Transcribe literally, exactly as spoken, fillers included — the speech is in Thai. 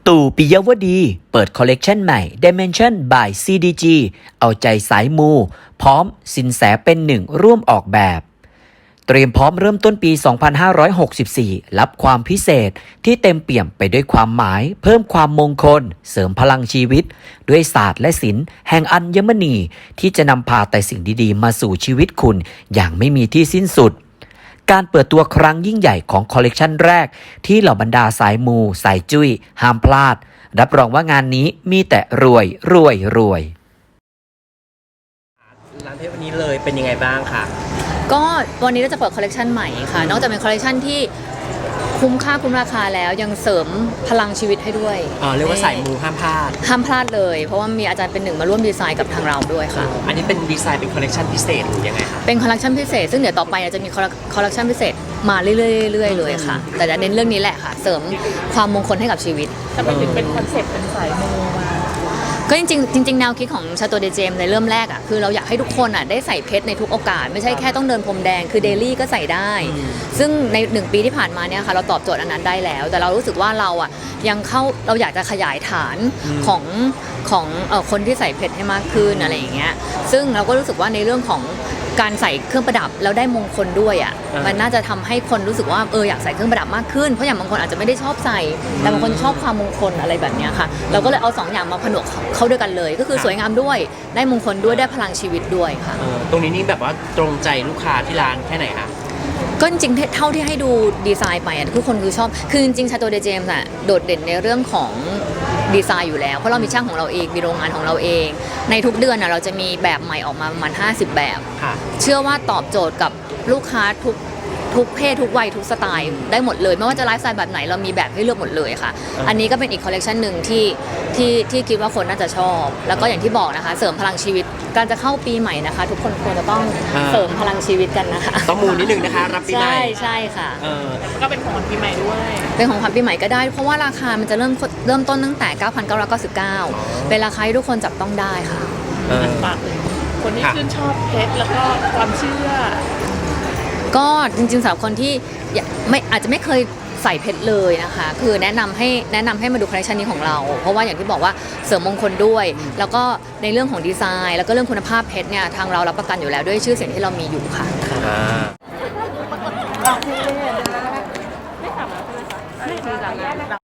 ตู่ ปิยวดี เปิดคอลเลกชันใหม่ Dimension by ซี ดี จี เอาใจสายมู พร้อมสินแสเป็นหนึ่งร่วมออกแบบ เตรียมพร้อมเริ่มต้นปี สองพันห้าร้อยหกสิบสี่ รับความพิเศษที่เต็มเปี่ยมไปด้วยความหมาย เพิ่มความมงคล เสริมพลังชีวิต ด้วยศาสตร์และศิลป์แห่งอัญมณี ที่จะนำพาแต่สิ่งดีๆ มาสู่ชีวิตคุณอย่างไม่มีที่สิ้นสุด การเปิดตัวครั้งยิ่งใหญ่ของคอลเลกชันแรกที่เหล่าบรรดาสายมูสายจุ้ยห้ามพลาด รับรองว่างานนี้มีแต่รวยรวยรวยร้านเพชรวันนี้เลยเป็นยังไงบ้างคะก็วันนี้เราจะเปิดคอลเลกชันใหม่ค่ะนอกจากเป็นคอลเลกชันที่คุ้มค่าคุ้มราคาแล้วยังเสริมพลังชีวิตให้ด้วยอ๋อเรียกว่าสายมูห้ามพลาดห้ามพลาดเลยเพราะว่ามีอาจารย์เป็นหนึ่งมาร่วมดีไซน์กับทางเราด้วยค่ะอันนี้เป็นดีไซน์เป็นคอลเลกชันพิเศษหรือยังไงคะเป็นคอลเลกชันพิเศษซึ่งเดี๋ยวต่อไปจะมีคอลเลกชันพิเศษมาเรื่อยๆเลยค่ะแต่จะเน้นเรื่องนี้แหละค่ะเสริมความมงคลให้กับชีวิตจะไปถึงเป็นคอนเซ็ปต์เป็นสายมูมาก็จริงๆจริงๆแนวคิดของชาโตเดเจมในเริ่มแรกอ่ะคือเราอยากให้ทุกคนอ่ะได้ใส่เพชรในทุกโอกาสไม่ใช่แค่ต้องเดินพรมแดงคือเดลี่ก็ใส่ได้ซึ่งในหนึ่งปีที่ผ่านมาเนี่ยค่ะเราตอบโจทย์อันนั้นได้แล้วแต่เรารู้สึกว่าเราอ่ะยังเข้าเราอยากจะขยายฐานของของเอ่อคนที่ใส่เพชรให้มากขึ้นอะไรอย่างเงี้ยซึ่งเราก็รู้สึกว่าในเรื่องของการใส่เครื่องประดับแล้วได้มงคลด้วยอ่ะมันน่าจะทำให้คนรู้สึกว่าเอออยากใส่เครื่องประดับมากขึ้นเพราะอย่างบางคนอาจจะไม่ได้ชอบใส่แต่บางคนชอบความมงคลอะไรแบบนี้ค่ะเราก็เลยเอาสองอย่างมาผนวกเข้าด้วยกันเลยก็คือสวยงามด้วยได้มงคลด้วยได้พลังชีวิตด้วยค่ะตรงนี้นี่แบบว่าตรงใจลูกค้าที่ร้านแค่ไหนคะก็จริงๆเท่าที่ให้ดูดีไซน์ไปอ่ะทุกคนคือชอบคือจริงๆชาโตเดเจมส์อ่ะโดดเด่นในเรื่องของดีไซน์อยู่แล้วเพราะเรามีช่างของเราเองมีโรงงานของเราเองในทุกเดือนอ่ะเราจะมีแบบใหม่ออกมาประมาณห้าสิบแบบเชื่อว่าตอบโจทย์กับลูกค้าทุกทุกเพศทุกวัยทุกสไตล์ได้หมดเลยไม่ว่าจะไลฟ์สไตล์แบบไหนเรามีแบบให้เลือกหมดเลยค่ะอันนี้ก็เป็นอีกคอลเลกชันหนึ่งที่ที่ที่คิดว่าคนน่าจะชอบแล้วก็อย่างที่บอกนะคะเสริมพลังชีวิตการจะเข้าปีใหม่นะคะทุกคนควรจะต้องเสริมพลังชีวิตกันนะคะต้องมูนิดนึงนะคะรับปีใหม่ใช่ใช่ค่ะก็เป็นของขวัญปีใหม่ด้วยเป็นของขวัญปีใหม่ก็ได้เพราะว่าราคามันจะเริ่มเริ่มต้นตั้งแต่ เก้าพันเก้าร้อยเก้าสิบเก้า เป็นราคาที่ทุกคนจับต้องได้ค่ะฝากคนที่ชื่นชอบเพชรแล้วก็ความเชื่อก็จริงๆสำหรับคนที่ไม่อาจจะไม่เคยใส่เพชรเลยนะคะคือแนะนำให้แนะนำให้มาดูคอลเลคชันนี้ของเราเพราะว่าอย่างที่บอกว่าเสริมมงคลด้วยแล้วก็ในเรื่องของดีไซน์แล้วก็เรื่องคุณภาพเพชรเนี่ยทางเรารับประกันอยู่แล้วด้วยชื่อเสียงที่เรามีอยู่ค่ะ